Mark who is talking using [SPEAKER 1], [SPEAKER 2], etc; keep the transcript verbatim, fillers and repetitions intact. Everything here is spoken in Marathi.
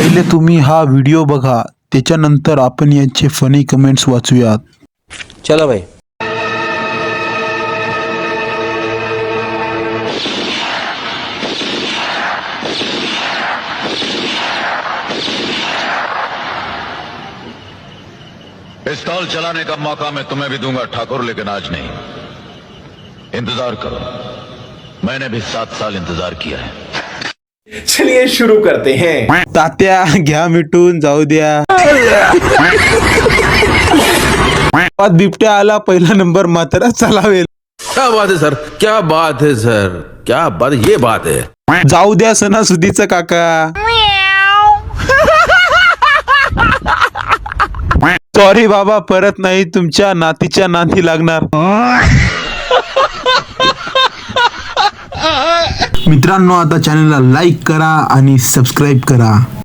[SPEAKER 1] पहिले तुम्ही हा व्हिडिओ बघा, त्याच्यानंतर आपण यांचे फनी कमेंट्स वाचूयात.
[SPEAKER 2] चलो भाई.
[SPEAKER 3] पिस्तौल चलाने का मौका मैं तुम्हें भी दूंगा ठाकुर, लेकिन आज नहीं. इंतजार करो, मैंने भी सात साल इंतजार किया है.
[SPEAKER 4] चलिए शुरू करते हैं.
[SPEAKER 1] तात्या घ्या मिटून जाऊ द्या. बिबट्या आला, पहिला नंबर मात्र चालावेल.
[SPEAKER 5] क्या बात है सर, क्या बात है सर, क्या बात, ये बात है.
[SPEAKER 1] जाऊ द्या सणासुदीचं काका. सॉरी बाबा, परत नाही, तुमच्या नातीच्या नाती लागणार. मित्रांनो, आता चॅनलला लाईक करा आणि सबस्क्राईब करा.